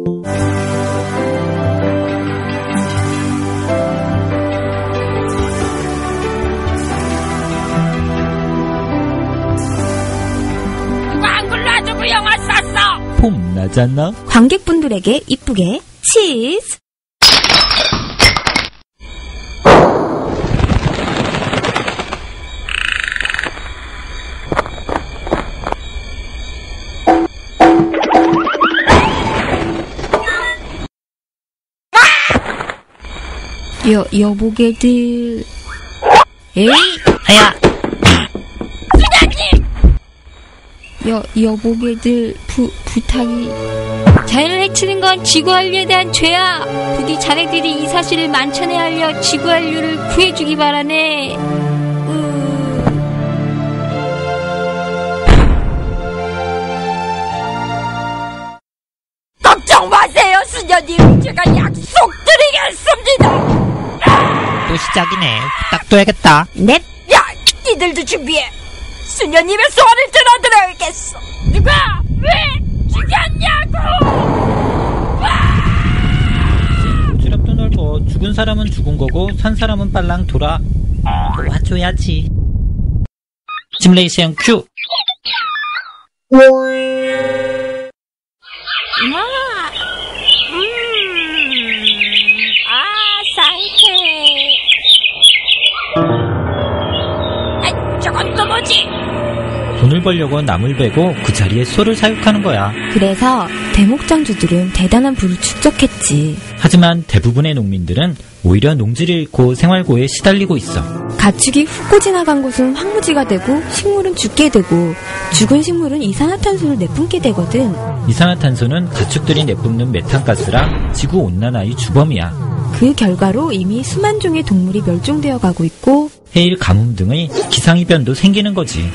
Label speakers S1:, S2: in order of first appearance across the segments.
S1: 폼 나잖아.
S2: 관객분들에게 이쁘게 치즈. 여보게들. 에이,
S1: 아야.
S2: 여보게들 부탁이. 자연을 해치는 건 지구한류에 대한 죄야. 부디 자네들이 이 사실을 만천에 알려 지구한류를 구해주기 바라네.
S3: 걱정 마세요, 수녀님. 제가 약속드리겠습니다.
S1: 또 시작이네. 부탁둬야겠다.
S2: 넵.
S3: 야, 니들도 준비해. 수녀님의 소원을 들어드려야겠어. 누가 왜 죽였냐고.
S1: 주력도 넓어. 죽은 사람은 죽은 거고 산 사람은 빨랑 돌아. 도와줘야지. 시뮬레이션 큐.
S3: 상쾌해. 저건 또 뭐지?
S1: 돈을 벌려고 남을 베고 그 자리에 소를 사육하는 거야.
S2: 그래서 대목장주들은 대단한 부를 축적했지.
S1: 하지만 대부분의 농민들은 오히려 농지를 잃고 생활고에 시달리고 있어.
S2: 가축이 훑고 지나간 곳은 황무지가 되고 식물은 죽게 되고 죽은 식물은 이산화탄소를 내뿜게 되거든.
S1: 이산화탄소는 가축들이 내뿜는 메탄가스랑 지구온난화의 주범이야.
S2: 그 결과로 이미 수만 종의 동물이 멸종되어 가고 있고
S1: 해일, 가뭄 등의 기상이변도 생기는 거지.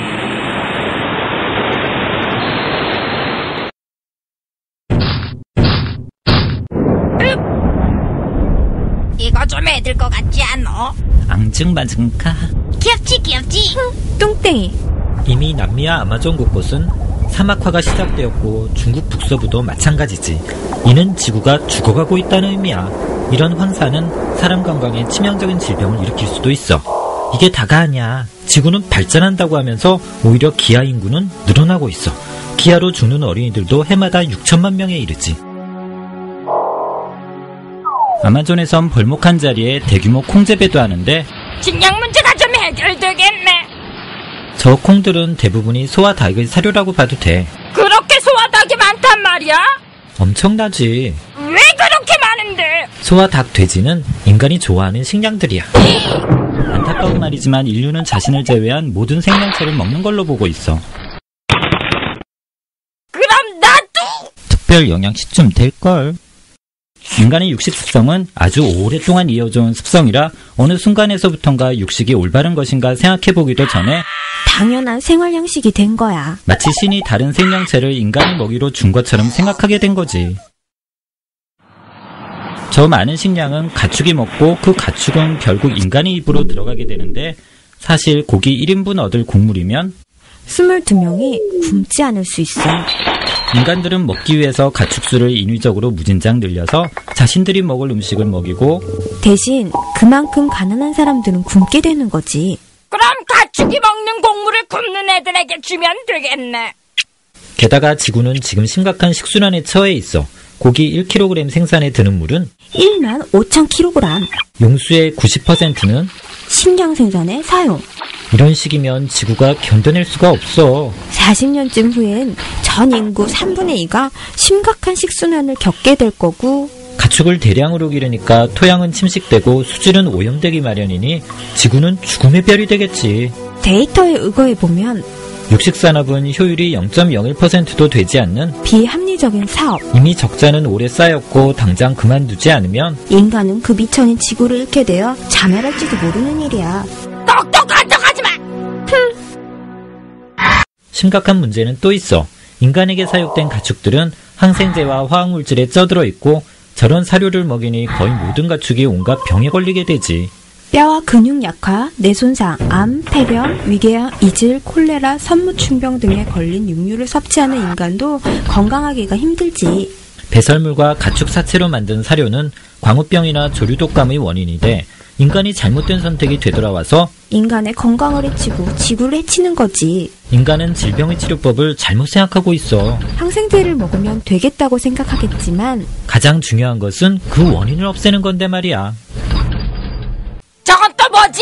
S3: 이거 좀 애들 것 같지 않어?
S1: 앙증맞은가.
S3: 귀엽지?
S2: 똥땡이.
S1: 이미 남미와 아마존 곳곳은 사막화가 시작되었고 중국 북서부도 마찬가지지. 이는 지구가 죽어가고 있다는 의미야. 이런 황사는 사람 건강에 치명적인 질병을 일으킬 수도 있어. 이게 다가 아니야. 지구는 발전한다고 하면서 오히려 기아 인구는 늘어나고 있어. 기아로 죽는 어린이들도 해마다 6천만 명에 이르지. 아마존에선 벌목한 자리에 대규모 콩재배도 하는데
S3: 식량 문제가 좀 해결되겠네.
S1: 저 콩들은 대부분이 소와 닭의 사료라고 봐도 돼.
S3: 그렇게 소와 닭이 많단 말이야?
S1: 엄청나지.
S3: 왜 그렇게 많은데?
S1: 소와 닭, 돼지는 인간이 좋아하는 식량들이야. 안타까운 말이지만 인류는 자신을 제외한 모든 생명체를 먹는 걸로 보고 있어.
S3: 그럼 나도!
S1: 특별 영양식쯤 될걸. 인간의 육식 습성은 아주 오랫동안 이어져온 습성이라 어느 순간에서부턴가 육식이 올바른 것인가 생각해보기도 전에
S2: 당연한 생활 양식이 된 거야.
S1: 마치 신이 다른 생명체를 인간의 먹이로 준 것처럼 생각하게 된 거지. 저 많은 식량은 가축이 먹고 그 가축은 결국 인간의 입으로 들어가게 되는데 사실 고기 1인분 얻을 곡물이면
S2: 22명이 굶지 않을 수 있어.
S1: 인간들은 먹기 위해서 가축수를 인위적으로 무진장 늘려서 자신들이 먹을 음식을 먹이고
S2: 대신 그만큼 가난한 사람들은 굶게 되는 거지.
S3: 그럼 가축이 먹는 곡물을 굶는 애들에게 주면 되겠네.
S1: 게다가 지구는 지금 심각한 식순환에 처해 있어. 고기 1kg 생산에 드는 물은
S2: 15,000kg.
S1: 용수의 90%는
S2: 식량 생산에 사용.
S1: 이런 식이면 지구가 견뎌낼 수가 없어.
S2: 40년쯤 후엔 전 인구 3분의 2가 심각한 식순환을 겪게 될 거고
S1: 가축을 대량으로 기르니까 토양은 침식되고 수질은 오염되기 마련이니 지구는 죽음의 별이 되겠지.
S2: 데이터에 의거해보면
S1: 육식산업은 효율이 0.01%도 되지 않는
S2: 비합리적인 사업.
S1: 이미 적자는 오래 쌓였고 당장 그만두지 않으면
S2: 인간은 그 미천인 지구를 잃게 되어 자멸할지도 모르는 일이야.
S3: 똑똑한 척하지마.
S1: 심각한 문제는 또 있어. 인간에게 사육된 가축들은 항생제와 화학물질에 쪄들어 있고 저런 사료를 먹이니 거의 모든 가축이 온갖 병에 걸리게 되지.
S2: 뼈와 근육 약화, 뇌 손상, 암, 폐렴, 위궤양, 이질, 콜레라, 선무충병 등에 걸린 육류를 섭취하는 인간도 건강하기가 힘들지.
S1: 배설물과 가축 사체로 만든 사료는 광우병이나 조류독감의 원인이 돼 인간이 잘못된 선택이 되돌아와서
S4: 인간의 건강을 해치고 지구를 해치는 거지.
S1: 인간은 질병의 치료법을 잘못 생각하고 있어.
S4: 항생제를 먹으면 되겠다고 생각하겠지만
S1: 가장 중요한 것은 그 원인을 없애는 건데 말이야.
S3: 저건 또 뭐지?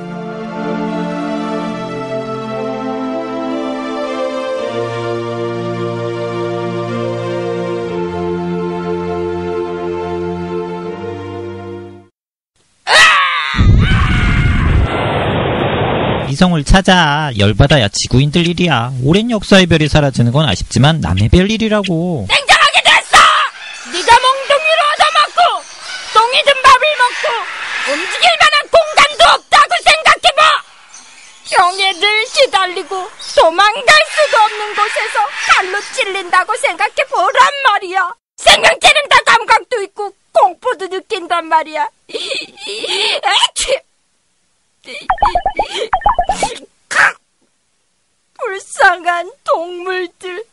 S1: 이성을 찾아. 열받아야 지구인들 일이야. 오랜 역사의 별이 사라지는 건 아쉽지만 남의 별 일이라고.
S3: 냉정하게 됐어! 네가 몽둥이로 얻어먹고 똥이든 밥을 먹고 움직일 만한 공간도 없다고 생각해봐! 병에 늘 시달리고 도망갈 수도 없는 곳에서 칼로 찔린다고 생각해보란 말이야. 생명체는 다 감각도 있고 공포도 느낀단 말이야. 에취! 불쌍한 동물들.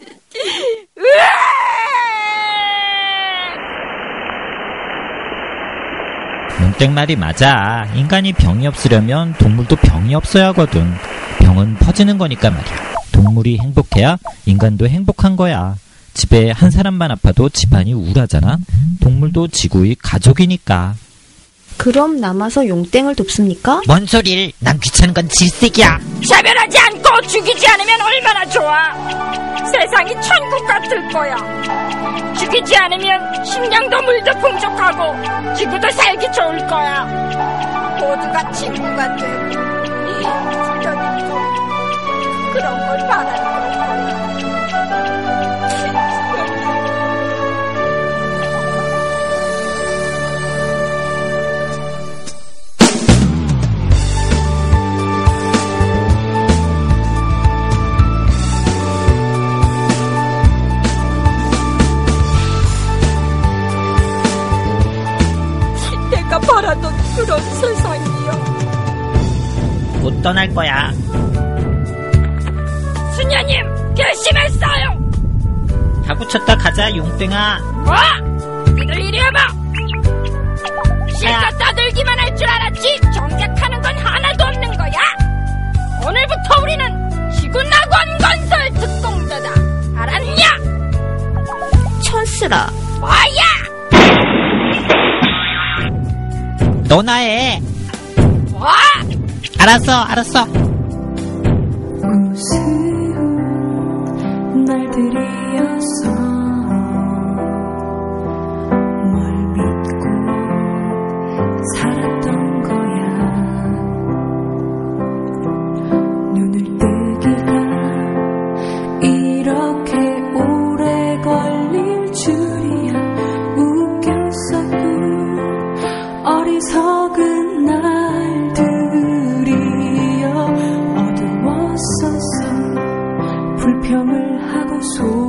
S1: 문땡 말이 맞아. 인간이 병이 없으려면 동물도 병이 없어야 하거든. 병은 퍼지는 거니까 말이야. 동물이 행복해야 인간도 행복한 거야. 집에 한 사람만 아파도 집안이 우울하잖아. 동물도 지구의 가족이니까.
S4: 그럼 남아서 용땡을 돕습니까?
S1: 뭔 소릴. 난 귀찮은 건 질색이야.
S3: 차별하지 않고 죽이지 않으면 얼마나 좋아. 세상이 천국 같을 거야. 죽이지 않으면 식량도 물도 풍족하고 지구도 살기 좋을 거야. 모두가 친구가 되고 주변인도 그런 걸 바라는 거야. 바라던 그런 세상이요.
S1: 곧 떠날 거야.
S3: 수녀님 결심했어요.
S1: 가구쳤다 가자 용땡아.
S3: 뭐? 니들 이리 와봐. 실컷 떠들기만 할 줄 알았지 정작하는 건 하나도 없는 거야. 오늘부터 우리는 지구낙원 건설 특공대다. 알았냐?
S4: 천스라.
S3: 뭐야?
S1: 너나 해.
S3: 뭐?
S1: 알았어.
S5: 우스운 날들이었어. 뭘 믿고 살았던 거야. 눈을 뜨기가 이렇게 오래 걸릴 줄이야. 웃겼었고 어리석은 날들이여. 어두웠었어. 불평을 하고